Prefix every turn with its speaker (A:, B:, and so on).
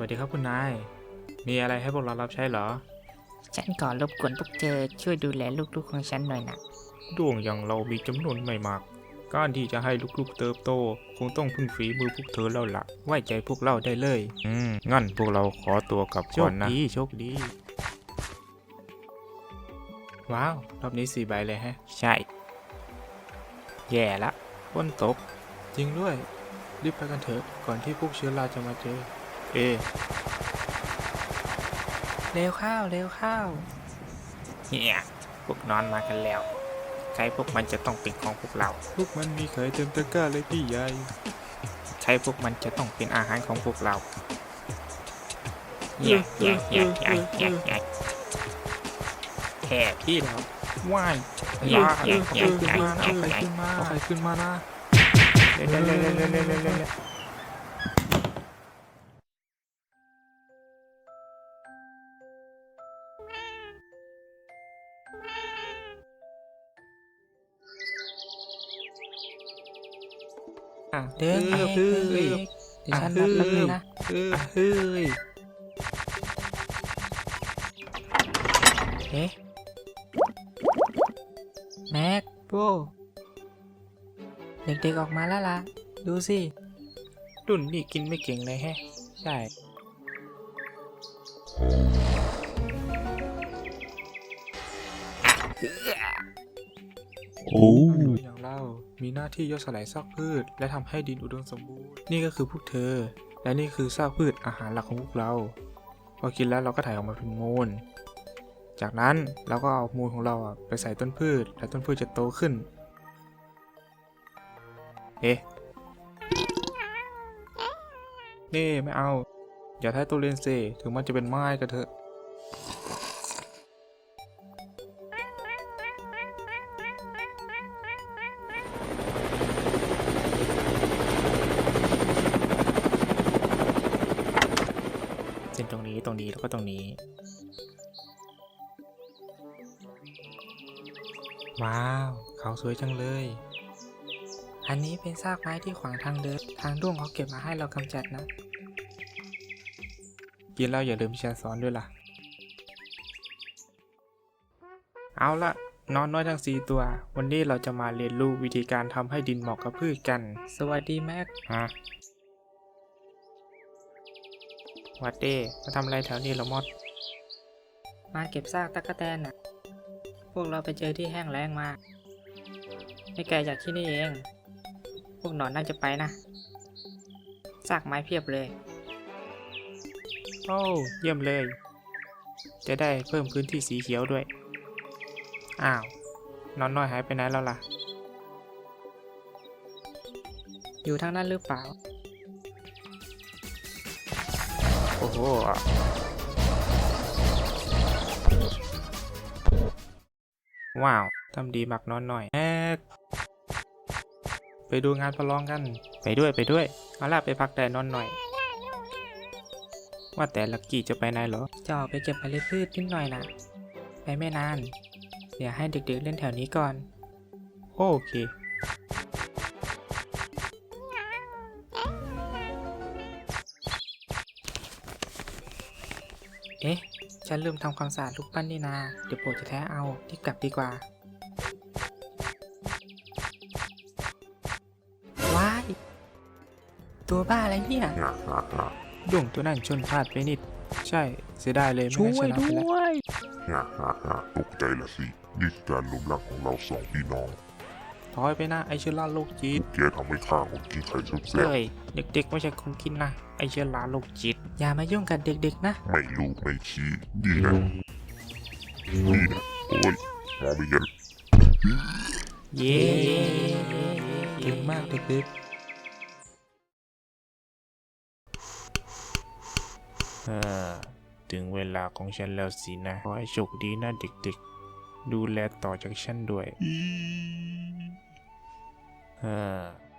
A: วัสดีครับคุณนาย มีอะไรให้พวกเรารับใช้เหรอ
B: ฉันขอรบกวนพวกเธอช่วยดูแลลูกๆของฉันหน่อยนะ
A: ดวงอย่างเรามีจำนวนไม่มาก การที่จะให้ลูกๆเติบโต คงต้องพึ่งฝีมือพวกเธอแล้วล่ะ ไว้ใจพวกเราได้เลย งั้นพวกเราขอตัวกลับก่อนนะ โชคดี ว้าว รอบนี้4 ใบเลยฮะ ใช่ แย่ละฝนตก จริงด้วย รีบไปกันเถอะ ก่อนที่พวกเชื้อราจะมาเจอ
B: เร็วข้าวเร็วข้าว
A: เฮียพวกนอนมากันแล้ว ใครพวกมันจะต้องเป็นของพวกเรา พวกมันมีไข่เต็มตะกร้าเลยพี่ใหญ่ ใช่พวกมันจะต้องเป็นอาหารของพวกเราแค่พี่เราว่ายเอาใครขึ้นมานะเร็ว
B: เดินเฮ้ยเดี๋ยวฉันนับแป๊บนึงนะ
A: เฮ้ย
B: เอ๊ะแม็กโบเด็กๆออกมาแล้วล่ะ ดูสิ
A: รุ่นนี่กินไม่เก่งเลยแฮะ ใช่อย่างเรา มีหน้าที่ย่อยสลายซากพืช และทำให้ดินอุดมสมบูรณ์ นี่ก็คือพวกเธอ และนี่คือซากพืชอาหารหลักของพวกเรา พอกินแล้วเราก็ถ่ายออกมาเป็นมูล จากนั้นเราก็เอามูลของเราไปใส่ต้นพืช และต้นพืชจะโตขึ้น นี่ไม่เอา อย่าท้ายตัวเรียนเซถึงมันจะเป็นไม้ก็เถอะ เส้นตรงนี้แล้วก็ตรงนี้ ว้าว เขาสวยจังเลย
B: อันนี้เป็นซากไม้ที่ขวางทางเดิน ทางด้วงเขาเก็บมาให้เรากำจัดนะ
A: กินแล้วอย่าลืมที่ฉันสอนด้วยล่ะ เอาละนอนน้อยทั้ง4 ตัว วันนี้เราจะมาเรียนรู้วิธีการทำให้ดินเหมาะกับพืชกัน
B: สวัสดีแม็ก
A: ฮะวัดเด้มาทำอะไรแถวนี้เหรอมด
B: มาเก็บซากตั๊กแตนน่ะ พวกเราไปเจอที่แห้งแล้งมา ไม่ไกลจากที่นี่เอง พวกหนอนน่าจะไปนะ ซากไม้เพียบเลย
A: โอ้เยี่ยมเลย จะได้เพิ่มพื้นที่สีเขียวด้วย อ้าว นอนน้อยหายไปไหนแล้วล่ะ
B: อยู่ทางนั้นหรือเปล่า
A: โอ้โห ว้าว ทำดีมากนอนหน่อยไปดูงานประลองกัน ไปด้วย เอาล่ะไปพักแต่นอนหน่อย ว่าแต่ลักกี้จะไปไหนเหรอ
B: จะออกไปเก็บเมล็ดพืชนิดหน่อยนะไปไม่นาน เดี๋ยวให้เด็กๆเล่นแถวนี้ก่อน
A: โอเค
B: เอ๊ะ ฉันลืมทำความสะอาดลูกปั้นนี่นา เดี๋ยวโปรดจะแท้เอารีบกลับดีกว่า ว้าย ตัวบ้าอะไรเนี่ย
A: ดวงตัวนั้นชนพลาดไปนิด ใช่ เสียดายเลยไม่งั้นชนะไปแล้ว
C: ตกใจละสิ นี่คือการล้มหลักของเรา2 พี่น้อง
A: ถอยไปนะไอเชื้อราโรคจิต
C: แกทำให้ข้าคนกินไข่แซ่บ
A: เฮ้ย เด็กๆไม่ใช่คนกินนะ ไอเชื้อราโรคจิต
B: อย่ามายุ่งกับเด็กๆนะ
C: ๆไม่รู้ไม่ชี้นี่นะโอ้ยมองไม่เห็น
A: เย้เก่งมากเด็กๆถึงเวลาของฉันแล้วสินะ ขอให้โชคดีนะเด็กๆ ดูแลต่อจากฉันด้วย